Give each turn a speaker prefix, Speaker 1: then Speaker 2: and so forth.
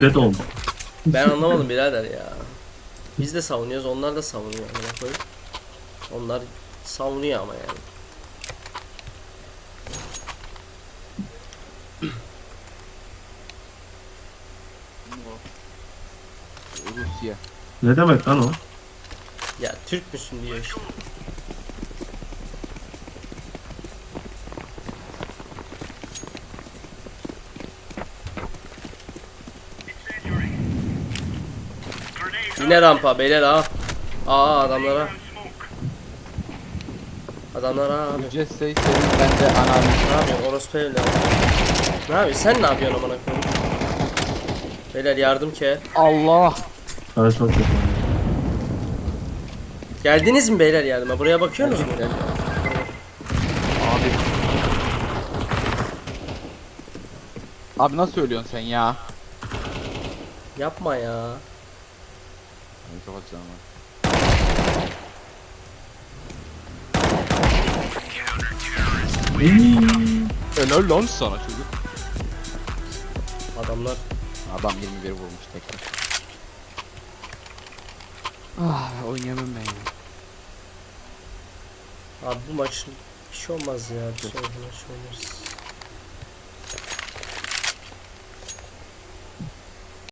Speaker 1: Red oldu.
Speaker 2: Ben anlamadım birader ya. Biz de savunuyoruz, onlar da savunuyor. Onlar savunuyor ama yani.
Speaker 3: Rusya.
Speaker 1: Ne demek lan o?
Speaker 2: Ya Türk müsün diyor işte. Yine rampa beyler ha. Aa adamlara. Adamlara abi.
Speaker 3: Ücret senin bende analiz.
Speaker 2: Ne yapıyorsun orospu evladı? Ne yapıyorsun sen ne yapıyorsun amına koyayım? Beyler yardım ki.
Speaker 3: Allah.
Speaker 1: Sana çok kötü.
Speaker 2: Geldiniz mi beyler yardıma? Buraya bakıyorsunuz mu?
Speaker 3: Abi. Abi nasıl ölüyorsun sen ya?
Speaker 2: Yapma ya.
Speaker 3: Hadi kapatacağım ben. Helal lan sana çocuk.
Speaker 2: Adamlar
Speaker 3: Adam 21 vurmuş tekrar. Ah oynayamam ben ya.
Speaker 2: abi bu maç bir şey olmaz ya. Bir sonraki maç oynarız.